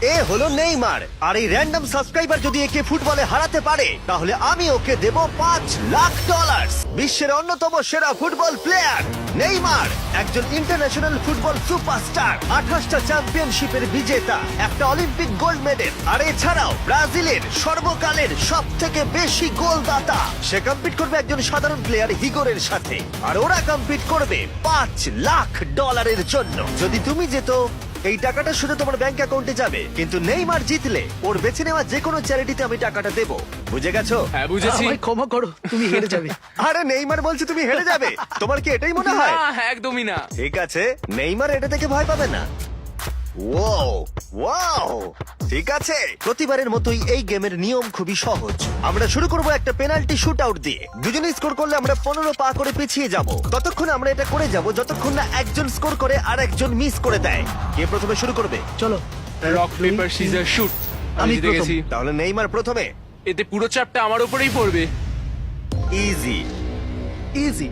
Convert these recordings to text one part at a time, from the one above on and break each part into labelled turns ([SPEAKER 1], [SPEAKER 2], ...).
[SPEAKER 1] এ হলো নেইমার, আর এই random subscriber যদি একে ফুটবলে হারাতে পারে তাহলে আমি ওকে দেব $5 লাখ। বিশ্বের অন্যতম সেরা ফুটবল প্লেয়ার নেইমার একজন ইন্টারন্যাশনাল ফুটবল সুপারস্টার, 28টা চ্যাম্পিয়নশিপের বিজেতা, একটা অলিম্পিক গোল্ড মেডেল, আর এছাড়াও ব্রাজিলের সর্বকালের সব থেকে বেশি গোলদাতা। সে কম্পিট করবে একজন সাধারণ প্লেয়ার হিগোরের সাথে, আর ওরা কম্পিট করবে $5 লাখ জন্য। যদি তুমি যেত এই টাকাটা শুধু তোমার ব্যাংক অ্যাকাউন্টে যাবে, কিন্তু নেইমার জিতলে ওর বেছে নেওয়া যে কোনো চ্যারিটিতে আমি টাকাটা দেবো। বুঝে গেছো?
[SPEAKER 2] হ্যাঁ বুঝেছি।
[SPEAKER 3] আমায় ক্ষমা করো, তুমি হেরে যাবে।
[SPEAKER 1] আরে নেইমার বলছে তুমি হেরে যাবে, তোমার কি এটাই মনে হয়?
[SPEAKER 2] না, একদমই না।
[SPEAKER 1] ঠিক আছে, নেইমার এটা থেকে ভয় পাবে না। ওয়াও ওয়াও, ঠিক আছে। প্রতিবারের মতোই এই গেমের নিয়ম খুবই সহজ। আমরা শুরু করব একটা পেনাল্টি শুট আউট দিয়ে। দুজনে স্কোর করলে আমরা 15 পা করে পিছিয়ে যাব। ততক্ষণ আমরা এটা করে যাব যতক্ষণ না একজন স্কোর করে আর একজন মিস করে দেয়। কে প্রথমে শুরু করবে?
[SPEAKER 3] চলো,
[SPEAKER 2] রক পেপার সিজার শুট। আমি
[SPEAKER 3] আমি
[SPEAKER 2] জিতে
[SPEAKER 3] প্রথম।
[SPEAKER 2] গেছি।
[SPEAKER 1] তাহলে নেইমার প্রথমে।
[SPEAKER 2] এতে পুরো চাপটা আমার উপরেই পড়বে।
[SPEAKER 1] ইজি।
[SPEAKER 3] ইজি।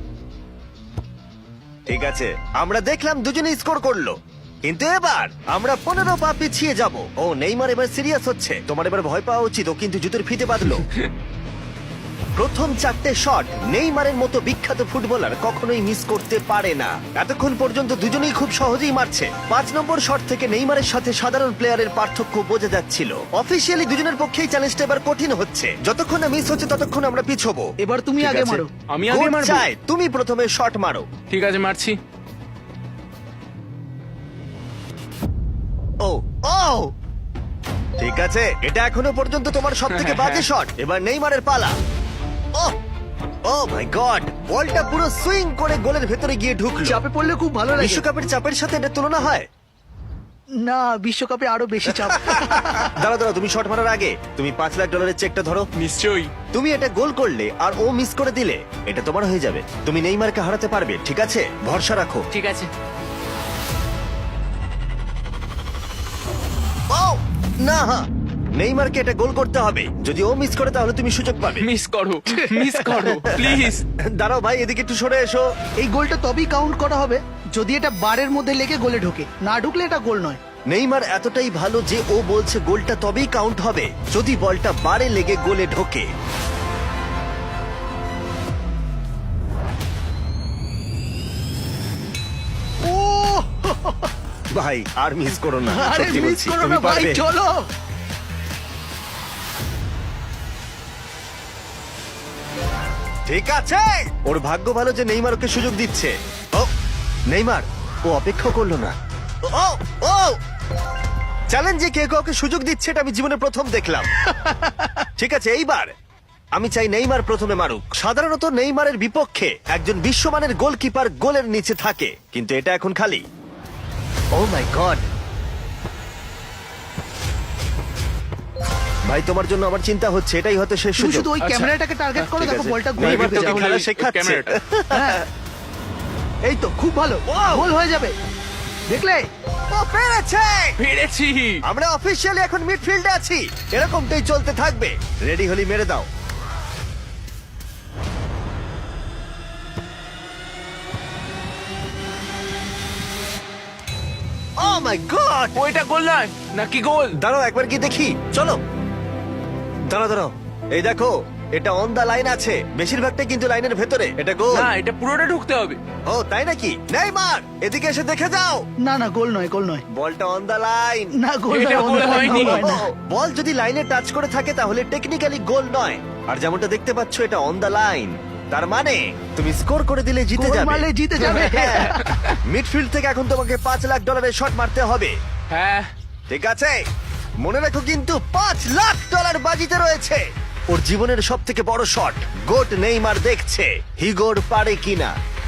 [SPEAKER 1] ঠিক আছে, আমরা দেখলাম দুজনে স্কোর করলো, কিন্তু এবার আমরা 15 পা পিছিয়ে যাব। ও নেইমার এবার সিরিয়াস হচ্ছে। তোমার এবার ভয় পাওয়া উচিত, ও কিন্তু জুতোর ফিতে বাঁধলো। প্রথম 4টে শট নেইমারের মতো বিখ্যাত ফুটবলার কখনোই মিস করতে পারে না। এতক্ষণ পর্যন্ত দুজনেই খুব সহজেই মারছে। 5 নম্বর শট থেকে নেইমারের সাথে সাধারণ প্লেয়ারের পার্থক্য বোঝা যাচ্ছিল। অফিসিয়ালি দুজনের পক্ষেই চ্যালেঞ্জটা এবার কঠিন হচ্ছে। যতক্ষণ না মিস হচ্ছে ততক্ষণ আমরা পিছবো।
[SPEAKER 3] এবার তুমি
[SPEAKER 1] ঠিক
[SPEAKER 3] আগে
[SPEAKER 1] আছে?
[SPEAKER 3] মারো।
[SPEAKER 2] আমি আগে
[SPEAKER 1] Goat
[SPEAKER 2] মারবো?
[SPEAKER 1] চাই তুমি প্রথমে শট মারো।
[SPEAKER 2] ঠিক আছে, মারছি।
[SPEAKER 1] ও ও, ঠিক আছে, এটা এখনো পর্যন্ত তোমার সব থেকে বাজে শট। এবার নেইমারের পালা। ও ও মাই গড, বলটা পুরো সুইং করে গোলের ভেতরে গিয়ে ঢুকলো।
[SPEAKER 3] চাপে পড়লে খুব ভালো লাগে।
[SPEAKER 1] বিশ্বকাপের চাপের সাথে এটা তুলনা হয়?
[SPEAKER 3] না, বিশ্বকাপে আরো বেশি চাপ।
[SPEAKER 1] দাঁড়াও দাঁড়াও, তুমি শট মারার আগে তুমি $5 লাখ চেকটা ধরো।
[SPEAKER 2] নিশ্চয়ই।
[SPEAKER 1] তুমি এটা গোল করলে আর ও মিস করে দিলে এটা তোমার হয়ে যাবে। তুমি নেইমারকে হারাতে পারবে, ঠিক আছে? ভরসা রাখো।
[SPEAKER 2] ঠিক আছে।
[SPEAKER 1] ও না, নেইমারকে এটা গোল করতে হবে। যদি ও মিস করে তাহলে তুমি সুযোগ পাবে।
[SPEAKER 2] মিস করো, মিস করো প্লিজ।
[SPEAKER 1] দাঁড়াও ভাই, এদিকে একটু সরে এসো।
[SPEAKER 3] এই গোলটা তবেই কাউন্ট করা হবে যদি এটা বারের মধ্যে লেগে গোলে ঢোকে। না ঢুকলে এটা গোল নয়।
[SPEAKER 1] নেইমার এতটাই ভালো যে ও বলছে গোলটা তবেই কাউন্ট হবে যদি বলটা বারে লেগে গোলে ঢোকে।
[SPEAKER 3] ও
[SPEAKER 1] ভাই আর মিস করো না,
[SPEAKER 3] আরে
[SPEAKER 1] সত্যি
[SPEAKER 3] মিস
[SPEAKER 1] বলছি,
[SPEAKER 3] করো
[SPEAKER 1] তুমি
[SPEAKER 3] না ভাই,
[SPEAKER 1] পারবে।
[SPEAKER 3] চলো।
[SPEAKER 1] ঠিক আছে, ওর ভাগ্য ভালো যে নেইমার ওকে সুযোগ দিচ্ছে। ও নেইমার, ও অপেক্ষা করলো না। ও ও, চ্যালেঞ্জে কে কাউকে সুযোগ দিচ্ছে এটা আমি জীবনে প্রথম দেখলাম। ঠিক আছে, এইবার আমি চাই নেইমার প্রথমে মারুক। সাধারণত নেইমারের বিপক্ষে একজন বিশ্বমানের গোলকিপার গোলের নিচে থাকে, কিন্তু এটা এখন খালি। ও মাই গড, ভাই তোমার জন্য আমার চিন্তা হচ্ছে। এটাই হয়তো শেষ
[SPEAKER 3] তুমি
[SPEAKER 1] সুযোগ।
[SPEAKER 3] শুধু ওই
[SPEAKER 2] আচ্ছা,
[SPEAKER 3] ক্যামেরাটাকে টার্গেট করো,
[SPEAKER 1] ঠিক
[SPEAKER 3] দেখো
[SPEAKER 1] আছে।
[SPEAKER 3] বলটা গোলে
[SPEAKER 1] নেইমার
[SPEAKER 3] ঢুকে
[SPEAKER 1] তোকে
[SPEAKER 3] যাবে।
[SPEAKER 1] খেলা
[SPEAKER 2] ওই
[SPEAKER 1] শেখাচ্ছে।
[SPEAKER 2] ক্যামেরাটা।
[SPEAKER 3] হ্যাঁ। এই তো খুব ভালো, গোল হয়ে যাবে, দেখলে?
[SPEAKER 1] ও পেরেছে!
[SPEAKER 2] পেরেছি।
[SPEAKER 1] আমরা অফিসিয়ালি এখন মিডফিল্ডে আছি। এরকমটাই চলতে থাকবে। রেডি হলি মেরে দাও। ও মাই গড,
[SPEAKER 2] ওইটা গোল নয় নাকি গোল?
[SPEAKER 1] দাঁড়াও একবার কি দেখি, চলো। দাঁড়াও দাঁড়াও, এই দেখো এটা অন দা লাইন আছে। বেশিরভাগটাই কিন্তু লাইনের ভেতরে। এটা গোল।
[SPEAKER 2] না, এটা পুরোটা ঢুকতে হবে।
[SPEAKER 1] ও তাই নাকি? নেইমার এদিকে এসে দেখে যাও।
[SPEAKER 3] না না, গোল নয়, গোল নয়।
[SPEAKER 1] বলটা অন দা লাইন।
[SPEAKER 3] না, গোল
[SPEAKER 2] এটা
[SPEAKER 3] নয়,
[SPEAKER 2] গোল
[SPEAKER 3] অন্য
[SPEAKER 2] হয়নি।
[SPEAKER 3] গোল হয় না।
[SPEAKER 1] বল যদি লাইনে টাচ করে থাকে তাহলে টেকনিক্যালি গোল নয়। আর যেমনটা দেখতে পাচ্ছ এটা অন দা লাইন, তার মানে তুমি স্কোর করে দিলে জিতে
[SPEAKER 3] গোল
[SPEAKER 1] যাবে।
[SPEAKER 3] মারলে জিতে যাবে।
[SPEAKER 1] মিডফিল্ড থেকে এখন তোমাকে $5 লাখ শট মারতে হবে।
[SPEAKER 2] হ্যাঁ।
[SPEAKER 1] ঠিক আছে, মনে রাখো কিন্তু $5 লাখ বাজিতে রয়েছে। ওর জীবনের সব থেকে বড় শট গোট নেইমার দেখছে হিগোর পারে কিনা।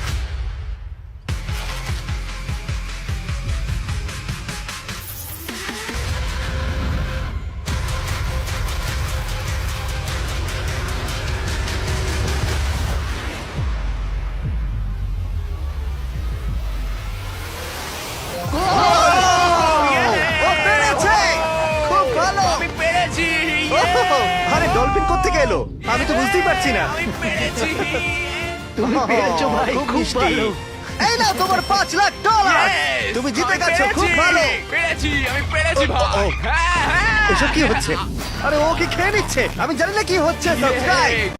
[SPEAKER 1] ও পেরেছে! খুব ভালো!
[SPEAKER 2] আমি পেরেছি।
[SPEAKER 1] আরে ডলফিন কোত্থেকে এলো? আমি তো বুঝতেই পারছি না।
[SPEAKER 2] আমি পেরেছি।
[SPEAKER 3] তুমি পেরেছো ভাই,
[SPEAKER 1] খুব
[SPEAKER 3] খুব
[SPEAKER 1] মিষ্টি।
[SPEAKER 3] ভালো।
[SPEAKER 1] এই নাও তোমার $5,00,000।
[SPEAKER 2] Yes!
[SPEAKER 1] তুমি জিতে
[SPEAKER 2] আমি
[SPEAKER 1] গেছো, খুব
[SPEAKER 2] পেরেছি!
[SPEAKER 1] ভালো।
[SPEAKER 2] পেরেছি, আমি পেরেছি
[SPEAKER 1] ও, ও, ও।
[SPEAKER 2] ভাই। হ্যাঁ, হ্যাঁ।
[SPEAKER 1] এসব কি হচ্ছে? আরে ও কি খেয়ে নিচ্ছে? আমি জানি না কি হচ্ছে। সাবস্ক্রাইব